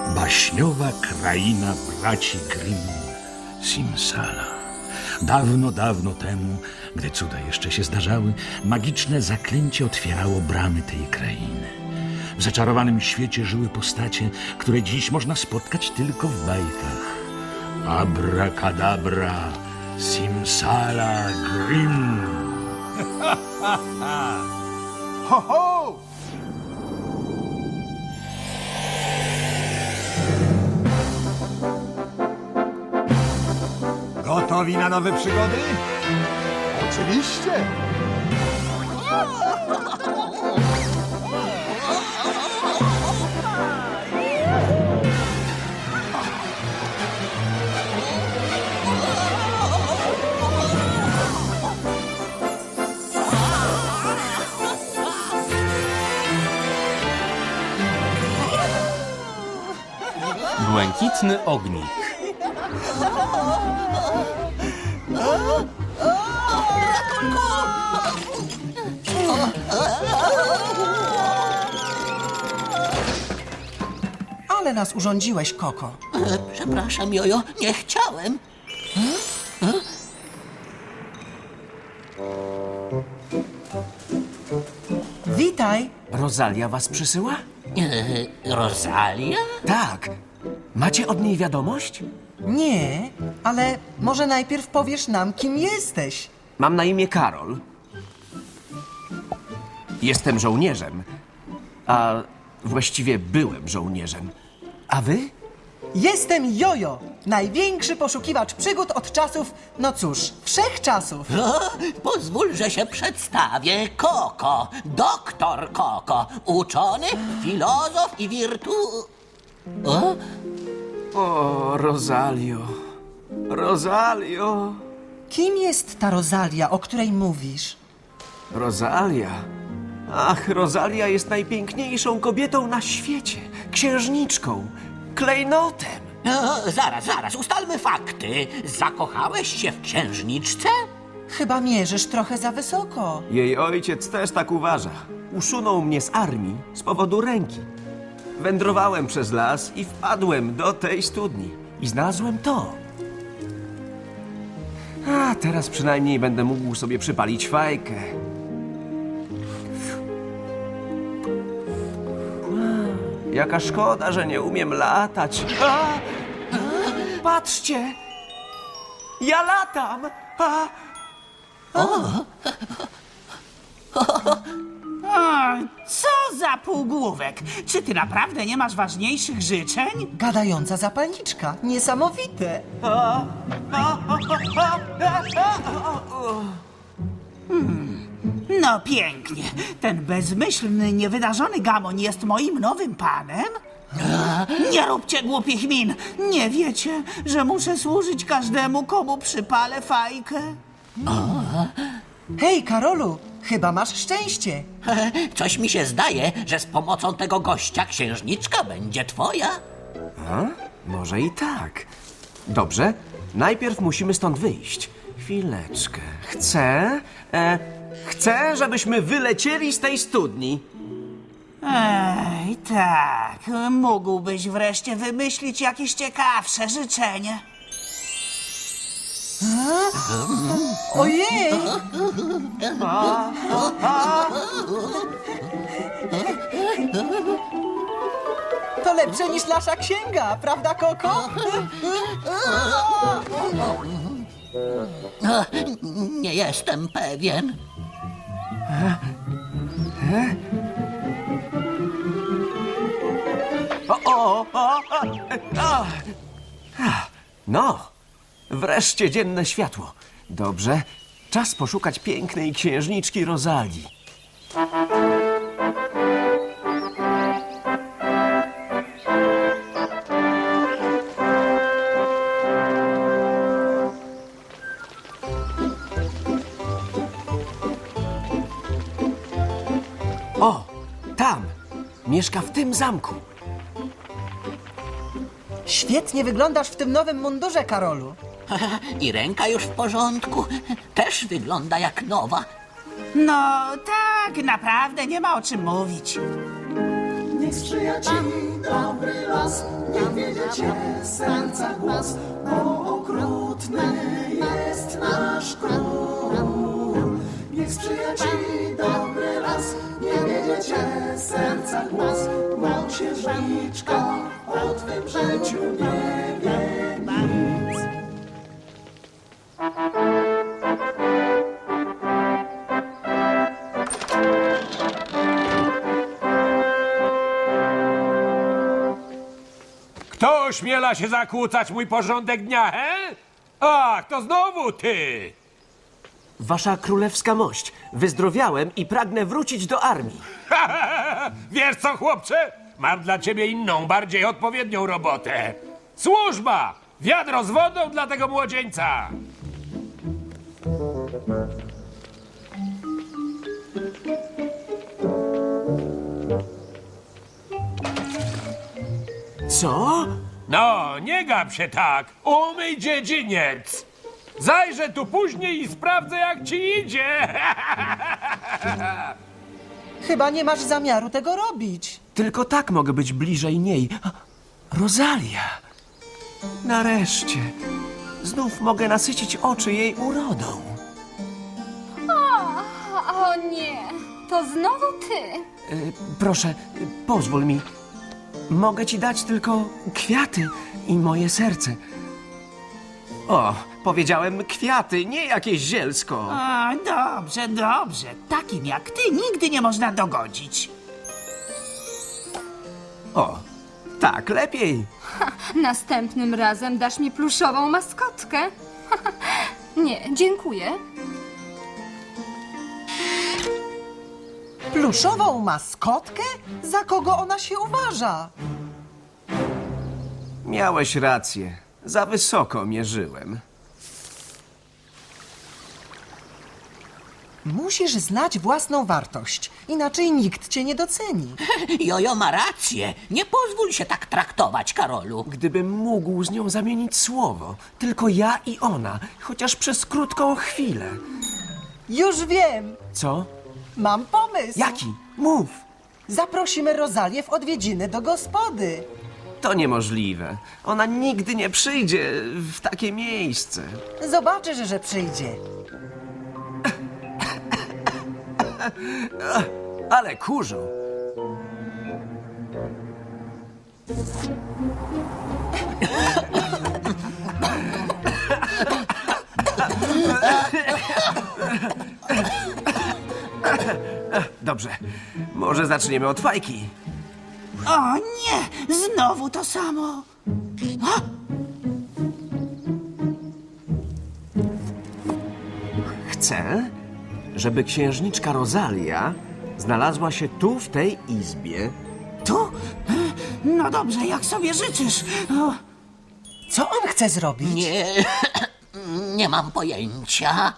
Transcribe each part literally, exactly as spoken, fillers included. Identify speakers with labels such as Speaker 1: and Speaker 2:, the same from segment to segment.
Speaker 1: Baśniowa kraina braci Grimm, Simsala. Dawno, dawno temu, gdy cuda jeszcze się zdarzały, magiczne zaklęcie otwierało bramy tej krainy. W zaczarowanym świecie żyły postacie, które dziś można spotkać tylko w bajkach. Abracadabra, Simsala, Grimm.
Speaker 2: Ho, ho! Gotowi na nowe przygody? Oczywiście!
Speaker 3: Błękitny ognik.
Speaker 4: Ale nas urządziłeś, Koko.
Speaker 5: E, przepraszam, Jojo, nie chciałem.
Speaker 4: Witaj.
Speaker 6: Rosalia was przysyła?
Speaker 5: E, Rosalia?
Speaker 6: Tak. Macie od niej wiadomość?
Speaker 4: Nie, ale może najpierw powiesz nam, kim jesteś.
Speaker 6: Mam na imię Karol. Jestem żołnierzem. A właściwie byłem żołnierzem. A wy?
Speaker 4: Jestem Jojo, największy poszukiwacz przygód od czasów, no cóż, wszechczasów.
Speaker 5: O, pozwól, że się przedstawię. Koko, doktor Koko, uczony, filozof i wirtu... O?
Speaker 6: O, Rosalio. Rosalio.
Speaker 4: Kim jest ta Rosalia, o której mówisz?
Speaker 6: Rosalia. Ach, Rosalia jest najpiękniejszą kobietą na świecie. Księżniczką. Klejnotem.
Speaker 5: O, zaraz, zaraz, ustalmy fakty. Zakochałeś się w księżniczce?
Speaker 4: Chyba mierzysz trochę za wysoko.
Speaker 6: Jej ojciec też tak uważa. Usunął mnie z armii z powodu ręki. Wędrowałem przez las i wpadłem do tej studni. I znalazłem to. A teraz przynajmniej będę mógł sobie przypalić fajkę. Jaka szkoda, że nie umiem latać. A! Patrzcie! Ja latam! A!
Speaker 7: Co za półgłówek! Czy ty naprawdę nie masz ważniejszych życzeń?
Speaker 4: Gadająca zapalniczka, niesamowite.
Speaker 7: No pięknie. Ten bezmyślny, niewydarzony gamoń jest moim nowym panem? Nie róbcie głupich min! Nie wiecie, że muszę służyć każdemu, komu przypalę fajkę?
Speaker 4: Hej, Karolu, chyba masz szczęście.
Speaker 5: E, Coś mi się zdaje, że z pomocą tego gościa księżniczka będzie twoja.
Speaker 6: A? Może i tak. Dobrze, najpierw musimy stąd wyjść. Chwileczkę. Chcę... E, chcę, żebyśmy wylecieli z tej studni.
Speaker 7: Ej, tak. Mógłbyś wreszcie wymyślić jakieś ciekawsze życzenie.
Speaker 4: Ojej! To lepsze niż nasza księga, prawda, Koko?
Speaker 5: E, Nie jestem pewien.
Speaker 6: O, o, o, o, o. Ah, No, wreszcie dzienne światło. Dobrze, czas poszukać pięknej księżniczki Rosalii. O, tam! Mieszka w tym zamku.
Speaker 4: Świetnie wyglądasz w tym nowym mundurze, Karolu.
Speaker 5: I ręka już w porządku. Też wygląda jak nowa.
Speaker 7: No tak, naprawdę nie ma o czym mówić.
Speaker 8: Niech sprzyja ci dobry los. las, nie wiedziecie serca głos, bo okrutny jest nasz król. Niech sprzyja ci dobry las, nie wiedziecie serca głos, bo księżniczka o twym życiu nie wie nic.
Speaker 9: Kto ośmiela się zakłócać mój porządek dnia, he? Ach, to znowu ty!
Speaker 6: Wasza królewska mość, wyzdrowiałem i pragnę wrócić do armii.
Speaker 9: Wiesz co, chłopcze? Mam dla ciebie inną, bardziej odpowiednią robotę. Służba! Wiadro z wodą dla tego młodzieńca!
Speaker 6: Co?
Speaker 9: No, nie gap się tak! Umyj dziedziniec! Zajrzę tu później i sprawdzę, jak ci idzie!
Speaker 4: Chyba nie masz zamiaru tego robić.
Speaker 6: Tylko tak mogę być bliżej niej. Rosalia! Nareszcie. Znów mogę nasycić oczy jej urodą.
Speaker 10: O nie, to znowu ty.
Speaker 6: Y, proszę, y, pozwól mi. Mogę ci dać tylko kwiaty i moje serce. O, powiedziałem kwiaty, nie jakieś zielsko.
Speaker 7: A, dobrze, dobrze. Takim jak ty nigdy nie można dogodzić.
Speaker 6: O, tak, lepiej.
Speaker 10: Następnym razem dasz mi pluszową maskotkę. Nie, dziękuję.
Speaker 4: Pluszową maskotkę? Za kogo ona się uważa?
Speaker 6: Miałeś rację. Za wysoko mierzyłem.
Speaker 4: Musisz znać własną wartość, inaczej nikt cię nie doceni.
Speaker 5: Jojo ma rację. Nie pozwól się tak traktować, Karolu.
Speaker 6: Gdybym mógł z nią zamienić słowo. Tylko ja i ona, chociaż przez krótką chwilę.
Speaker 4: Już wiem,
Speaker 6: Co?
Speaker 4: mam pomysł.
Speaker 6: Jaki? Mów.
Speaker 4: Zaprosimy Rozalię w odwiedziny do gospody.
Speaker 6: To niemożliwe. Ona nigdy nie przyjdzie w takie miejsce.
Speaker 4: Zobaczysz, że przyjdzie.
Speaker 6: Ale kurzą. Dobrze. Może zaczniemy od fajki.
Speaker 7: O nie, znowu to samo.
Speaker 6: Chcę, żeby księżniczka Rosalia znalazła się tu, w tej izbie.
Speaker 7: Tu? No dobrze, jak sobie życzysz. O,
Speaker 4: Co on chce zrobić?
Speaker 5: Nie, nie mam pojęcia.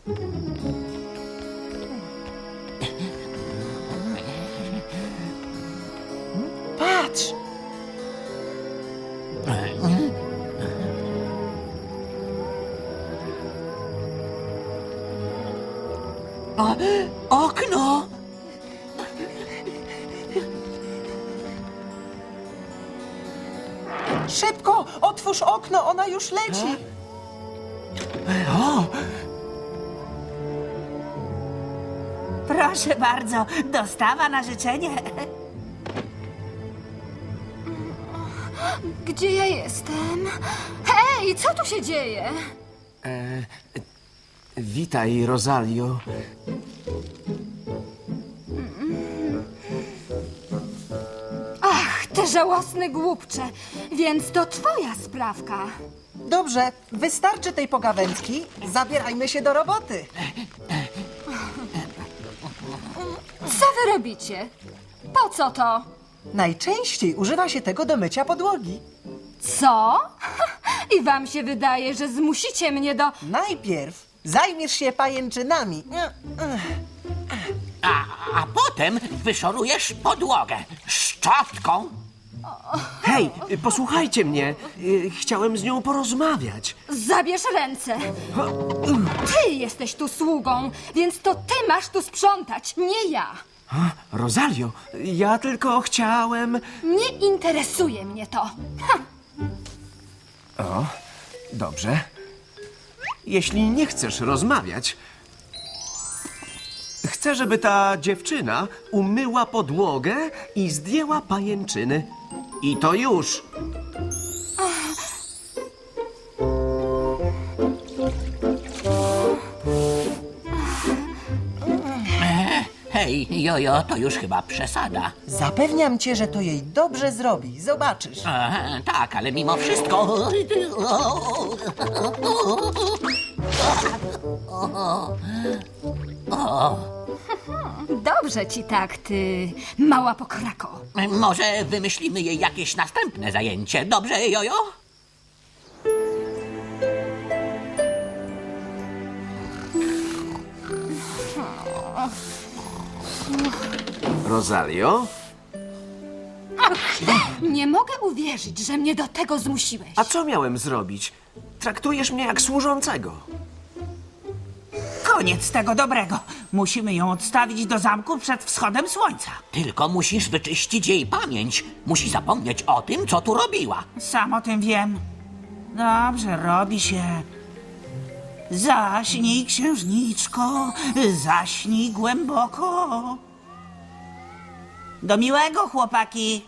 Speaker 4: Patrz!
Speaker 5: O, okno!
Speaker 4: Szybko! Otwórz okno, ona już leci!
Speaker 7: proszę bardzo, dostawa na życzenie.
Speaker 10: Gdzie ja jestem? Hej, co tu się dzieje?
Speaker 6: Witaj, Rosalio.
Speaker 10: Ach, te żałosne głupcze. Więc to twoja sprawka.
Speaker 4: Dobrze, wystarczy tej pogawędki. Zabierajmy się do roboty.
Speaker 10: Co wy robicie? Po co to?
Speaker 4: Najczęściej używa się tego do mycia podłogi.
Speaker 10: Co? I wam się wydaje, że zmusicie mnie do...
Speaker 4: Najpierw zajmiesz się pajęczynami.
Speaker 5: A, a potem wyszorujesz podłogę szczotką.
Speaker 6: Hej, posłuchajcie mnie. Y, Chciałem z nią porozmawiać.
Speaker 10: Zabierz ręce. Ty jesteś tu sługą, więc to ty masz tu sprzątać, nie ja.
Speaker 6: Rosalio, ja tylko chciałem...
Speaker 10: Nie interesuje mnie to. Ha,
Speaker 6: Dobrze. Jeśli nie chcesz rozmawiać, chcę, żeby ta dziewczyna umyła podłogę i zdjęła pajęczyny. I to już.
Speaker 5: Hej, jojo, to już chyba przesada.
Speaker 4: Zapewniam cię, że to jej dobrze zrobi. Zobaczysz.
Speaker 5: E, tak, ale mimo wszystko...
Speaker 10: dobrze ci tak, ty mała pokrako.
Speaker 5: Może wymyślimy jej jakieś następne zajęcie, dobrze, jojo?
Speaker 6: Rosalio?
Speaker 10: Nie mogę uwierzyć, że mnie do tego zmusiłeś.
Speaker 6: A co miałem zrobić? Traktujesz mnie jak służącego.
Speaker 7: Koniec tego dobrego. Musimy ją odstawić do zamku przed wschodem słońca.
Speaker 5: Tylko musisz wyczyścić jej pamięć. Musi zapomnieć o tym, co tu robiła.
Speaker 7: Sam o tym wiem. Dobrze, robi się. Zaśnij, księżniczko, zaśnij głęboko. Do miłego, chłopaki.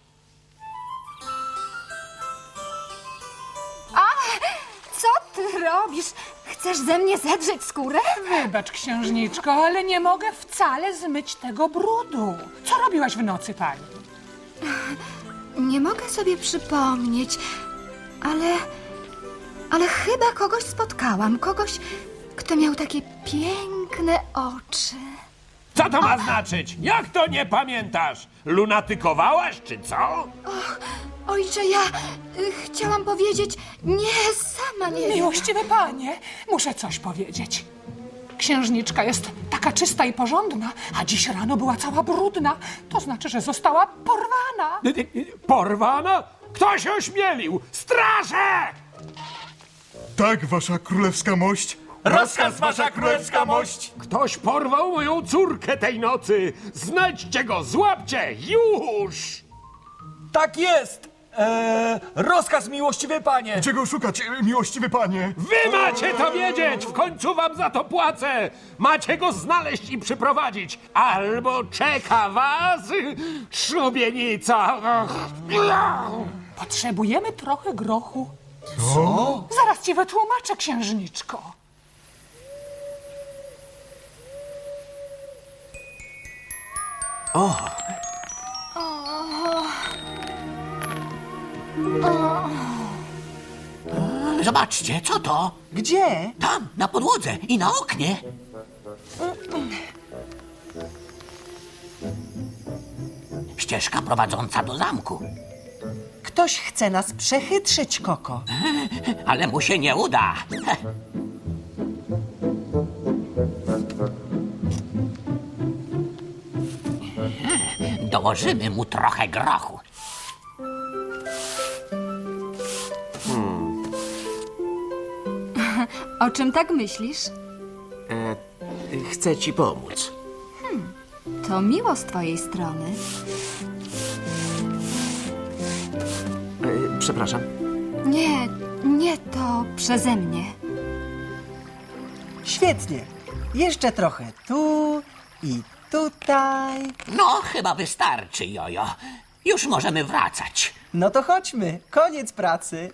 Speaker 10: Co ty robisz? Chcesz ze mnie zedrzeć skórę?
Speaker 11: Wybacz, księżniczko, ale nie mogę wcale zmyć tego brudu. Co robiłaś w nocy, pani?
Speaker 10: Nie mogę sobie przypomnieć, ale... Ale chyba kogoś spotkałam. Kogoś, kto miał takie piękne oczy.
Speaker 9: Co to ma znaczyć? Jak to nie pamiętasz? Lunatykowałaś, czy co?
Speaker 10: Ojcze, ja y, chciałam powiedzieć... Nie, sama nie wiem.
Speaker 11: Miłościwy panie, muszę coś powiedzieć. Księżniczka jest taka czysta i porządna, a dziś rano była cała brudna. To znaczy, że została porwana.
Speaker 9: Y, y, y, Porwana? Kto się ośmielił? Straże!
Speaker 2: Tak, wasza królewska mość.
Speaker 9: Rozkaz, wasza królewska mość! Ktoś porwał moją córkę tej nocy! Znajdźcie go, złapcie, już!
Speaker 12: Tak jest! Eee, rozkaz, miłościwy panie!
Speaker 2: Gdzie go szukać, e, miłościwy panie?
Speaker 9: Wy macie to wiedzieć! W końcu wam za to płacę! Macie go znaleźć i przyprowadzić! Albo czeka was szubienica!
Speaker 11: Potrzebujemy trochę grochu. Co? Zaraz ci wytłumaczę, księżniczko.
Speaker 5: Zobaczcie, co to?
Speaker 4: Gdzie?
Speaker 5: Tam, na podłodze i na oknie. Ścieżka prowadząca do zamku.
Speaker 4: Ktoś chce nas przechytrzyć, Koko.
Speaker 5: Ale mu się nie uda. Heh. Dołożymy mu trochę grochu.
Speaker 10: O czym tak myślisz?
Speaker 6: Chcę ci pomóc.
Speaker 10: To miło z twojej strony.
Speaker 6: E, przepraszam.
Speaker 10: Nie, nie to przeze mnie.
Speaker 4: Świetnie. Jeszcze trochę tu i tutaj.
Speaker 5: No, chyba wystarczy, jojo. Już możemy wracać.
Speaker 4: No to chodźmy. Koniec pracy.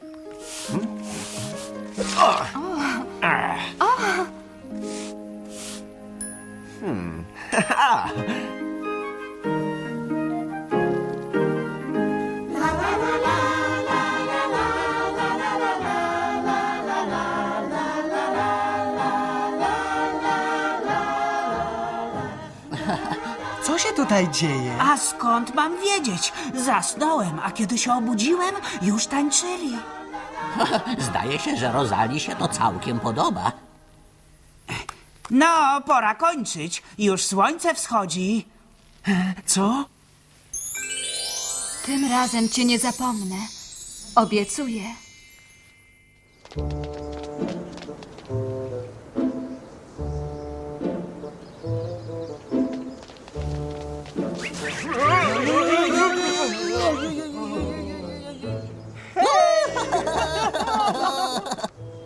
Speaker 4: Co się tutaj dzieje?
Speaker 7: A skąd mam wiedzieć? Zasnąłem, a kiedy się obudziłem, już tańczyli.
Speaker 5: Zdaje się, że Rozali się to całkiem podoba.
Speaker 7: No, pora kończyć. Już słońce wschodzi.
Speaker 6: Co?
Speaker 10: Tym razem cię nie zapomnę. Obiecuję.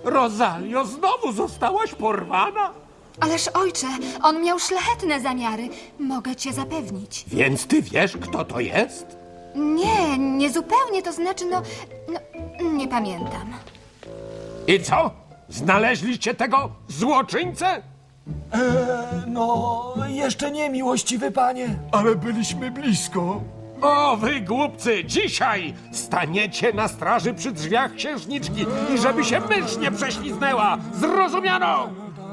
Speaker 9: Rosalio, znowu zostałaś porwana?
Speaker 10: Ależ ojcze, on miał szlachetne zamiary. Mogę cię zapewnić.
Speaker 9: Więc ty wiesz, kto to jest?
Speaker 10: Nie, nie zupełnie, to znaczy, no, no nie pamiętam.
Speaker 9: I co? Znaleźliście tego złoczyńcę?
Speaker 12: No, jeszcze nie, miłościwy panie.
Speaker 2: Ale byliśmy blisko.
Speaker 9: O, wy głupcy, dzisiaj staniecie na straży przy drzwiach księżniczki i żeby się mysz nie prześliznęła. Zrozumiano?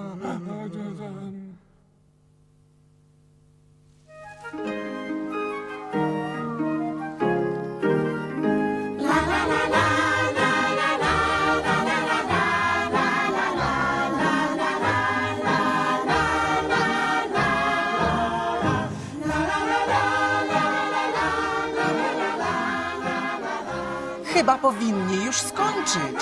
Speaker 4: Chyba powinni już skończyć.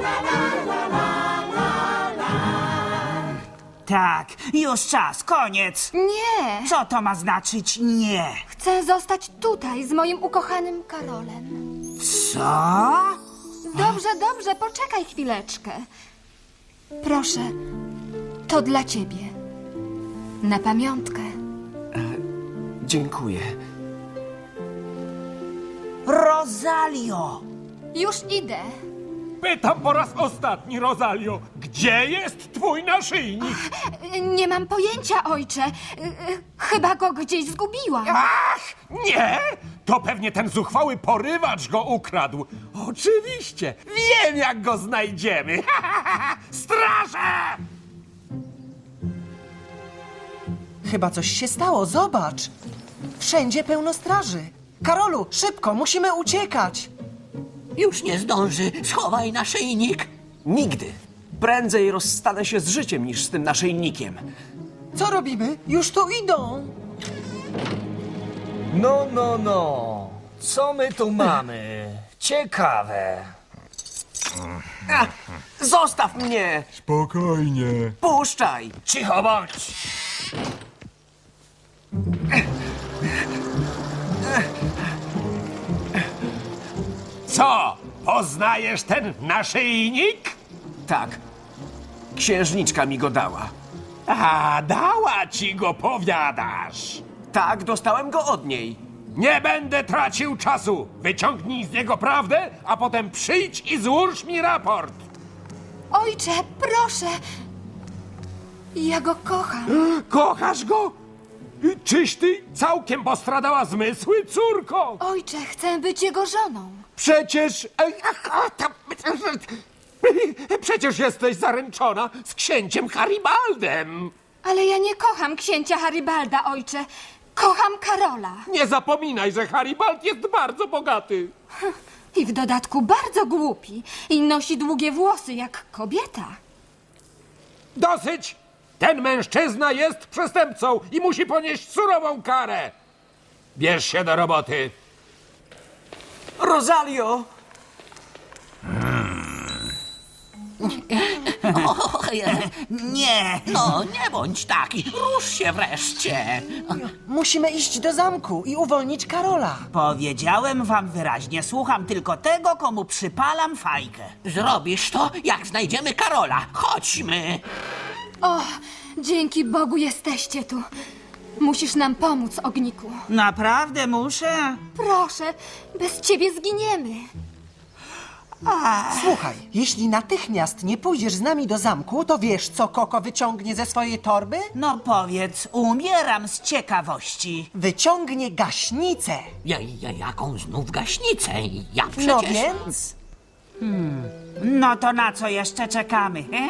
Speaker 7: Tak, już czas, koniec.
Speaker 10: Nie,
Speaker 7: Co to ma znaczyć nie?
Speaker 10: chcę zostać tutaj z moim ukochanym Karolem.
Speaker 7: Co?
Speaker 10: Dobrze, dobrze, poczekaj chwileczkę. Proszę, to dla ciebie. Na pamiątkę.
Speaker 6: Dziękuję.
Speaker 7: Rosalio!
Speaker 10: Już idę.
Speaker 9: Pytam po raz ostatni, Rosalio, gdzie jest twój naszyjnik?
Speaker 10: Nie mam pojęcia, ojcze. Chyba go gdzieś zgubiłam.
Speaker 9: Ach, nie! To pewnie ten zuchwały porywacz go ukradł. Oczywiście, wiem jak go znajdziemy. Straże!
Speaker 4: Chyba coś się stało, zobacz. Wszędzie pełno straży. Karolu, szybko, musimy uciekać.
Speaker 5: Już nie zdąży. Schowaj naszyjnik.
Speaker 6: Nigdy. Prędzej rozstanę się z życiem niż z tym naszyjnikiem.
Speaker 4: Co robimy? Już tu idą.
Speaker 12: No, no, no. Co my tu mamy? Ciekawe.
Speaker 6: A, zostaw mnie!
Speaker 2: Spokojnie.
Speaker 6: Puszczaj!
Speaker 12: Cicho bądź.
Speaker 9: Co? Poznajesz ten naszyjnik?
Speaker 6: Tak. Księżniczka mi go dała.
Speaker 9: A, dała ci go, powiadasz.
Speaker 6: Tak, dostałem go od niej.
Speaker 9: Nie będę tracił czasu. Wyciągnij z niego prawdę, a potem przyjdź i złóż mi raport.
Speaker 10: Ojcze, proszę. Ja go kocham.
Speaker 9: Kochasz go? Czyś ty całkiem postradała zmysły, córko?
Speaker 10: Ojcze, chcę być jego żoną.
Speaker 9: Przecież... Przecież jesteś zaręczona z księciem Haribaldem.
Speaker 10: Ale ja nie kocham księcia Haribalda, ojcze. Kocham Karola.
Speaker 9: Nie zapominaj, że Haribald jest bardzo bogaty.
Speaker 10: I w dodatku bardzo głupi. I nosi długie włosy jak kobieta.
Speaker 9: Dosyć! Ten mężczyzna jest przestępcą i musi ponieść surową karę. Bierz się do roboty.
Speaker 6: Rosalio!
Speaker 7: Nie!
Speaker 5: No, nie bądź taki. Rusz się wreszcie.
Speaker 4: Musimy iść do zamku i uwolnić Karola.
Speaker 7: Powiedziałem wam wyraźnie, słucham tylko tego, komu przypalam fajkę.
Speaker 5: Zrobisz to, jak znajdziemy Karola. Chodźmy.
Speaker 10: O, dzięki Bogu jesteście tu. Musisz nam pomóc, Ogniku.
Speaker 7: Naprawdę muszę?
Speaker 10: Proszę, bez ciebie zginiemy.
Speaker 4: Słuchaj, jeśli natychmiast nie pójdziesz z nami do zamku, to wiesz, co Koko wyciągnie ze swojej torby?
Speaker 7: No powiedz, umieram z ciekawości.
Speaker 4: Wyciągnie gaśnicę.
Speaker 5: Ja, ja, jaką znów gaśnicę? Ja przecież...
Speaker 4: No więc...
Speaker 7: No to na co jeszcze czekamy, he?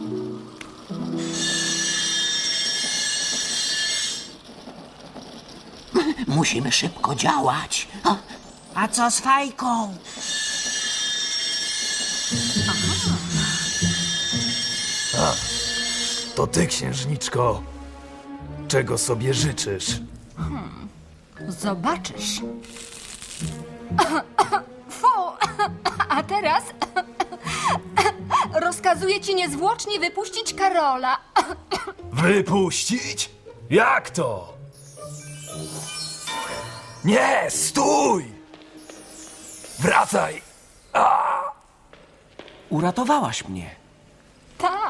Speaker 5: Musimy szybko działać. A,
Speaker 7: A co z fajką?
Speaker 12: To ty, księżniczko. Czego sobie życzysz?
Speaker 10: Zobaczysz. Fu! A teraz rozkazuję ci niezwłocznie wypuścić Karola.
Speaker 12: Wypuścić? Jak to? Nie, stój! Wracaj!
Speaker 6: Uratowałaś mnie.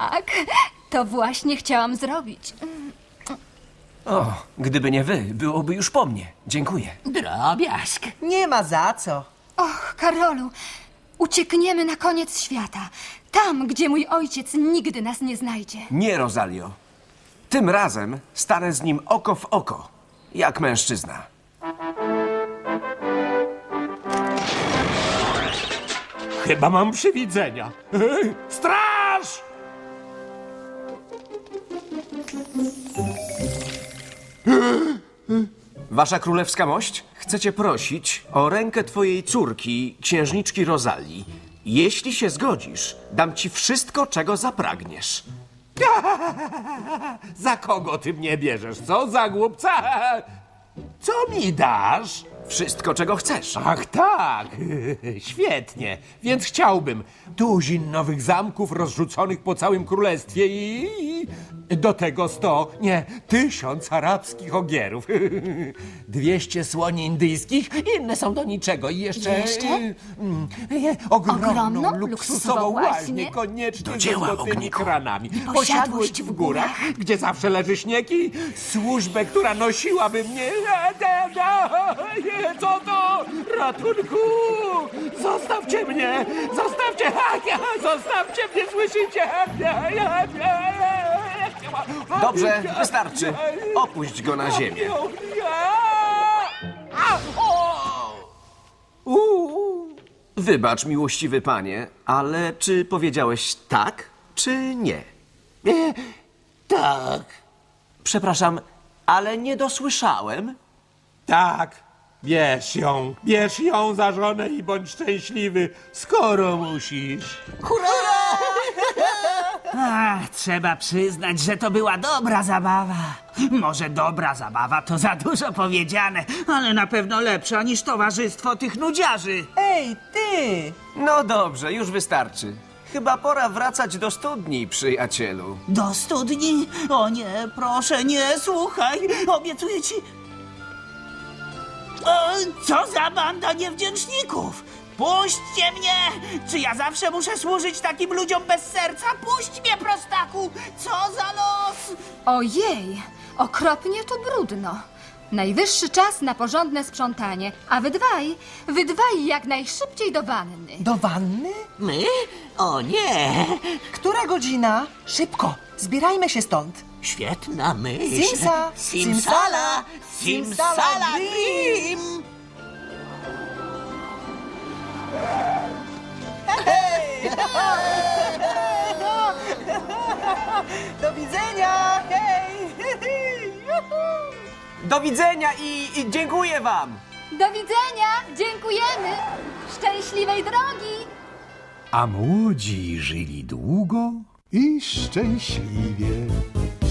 Speaker 10: Tak, to właśnie chciałam zrobić.
Speaker 6: O, gdyby nie wy, byłoby już po mnie. Dziękuję.
Speaker 5: Drobiazg.
Speaker 4: Nie ma za co.
Speaker 10: Och, Karolu, uciekniemy na koniec świata. Tam, gdzie mój ojciec nigdy nas nie znajdzie.
Speaker 6: Nie, Rosalio. Tym razem stanę z nim oko w oko, jak mężczyzna.
Speaker 9: Chyba mam przywidzenia. Straż!
Speaker 6: Wasza królewska mość, chcę cię prosić o rękę twojej córki, księżniczki Rosalii. Jeśli się zgodzisz, dam ci wszystko, czego zapragniesz.
Speaker 9: Za kogo ty mnie bierzesz, co? Za głupca? Co mi dasz?
Speaker 6: Wszystko, czego chcesz.
Speaker 9: Ach tak, świetnie. Więc chciałbym tuzin nowych zamków rozrzuconych po całym królestwie i do tego sto, nie, tysiąc arabskich ogierów. Dwieście słoni indyjskich, inne są do niczego i jeszcze...
Speaker 10: Jeszcze?
Speaker 9: mm, e, ogromną,
Speaker 10: Ogromną,
Speaker 9: luksusową
Speaker 10: luksusową
Speaker 9: łaźnię,
Speaker 10: łaźnię.
Speaker 9: koniecznie
Speaker 6: Do dzieła,
Speaker 9: ze złotymi
Speaker 6: ogniku.
Speaker 9: kranami.
Speaker 10: Posiadłość w górach.
Speaker 9: Gdzie zawsze leży śnieg i służbę, która nosiłaby mnie... Nie, co to? Ratunku! Zostawcie mnie! Zostawcie! Zostawcie mnie, słyszycie?
Speaker 6: Dobrze, wystarczy. Opuść go na ziemię. Wybacz, miłościwy panie, ale czy powiedziałeś tak, czy nie?
Speaker 5: Tak.
Speaker 6: Przepraszam, ale nie dosłyszałem.
Speaker 9: Tak, bierz ją, bierz ją za żonę i bądź szczęśliwy, skoro musisz.
Speaker 7: Ach, trzeba przyznać, że to była dobra zabawa. Może dobra zabawa to za dużo powiedziane, ale na pewno lepsza niż towarzystwo tych nudziarzy.
Speaker 4: Ej, ty!
Speaker 6: No dobrze, już wystarczy. Chyba pora wracać do studni, przyjacielu.
Speaker 7: Do studni? O nie, proszę, nie, słuchaj, obiecuję ci... O, co za banda niewdzięczników! Puśćcie mnie! Czy ja zawsze muszę służyć takim ludziom bez serca? Puść mnie, prostaku! Co za los!
Speaker 10: Ojej, okropnie tu brudno. Najwyższy czas na porządne sprzątanie, a wy dwaj, wy dwaj jak najszybciej do wanny.
Speaker 4: Do wanny?
Speaker 5: My? O nie!
Speaker 4: Która godzina? Szybko, zbierajmy się stąd.
Speaker 5: Świetna myśl.
Speaker 4: Simsa!
Speaker 5: Simsala!
Speaker 4: Simsala
Speaker 5: Simsala
Speaker 4: Dream!
Speaker 5: Dream!
Speaker 4: Do widzenia! Hej!
Speaker 6: Do widzenia i, i dziękuję wam!
Speaker 10: Do widzenia, dziękujemy. Szczęśliwej drogi.
Speaker 1: A młodzi żyli długo
Speaker 2: I szczęśliwie.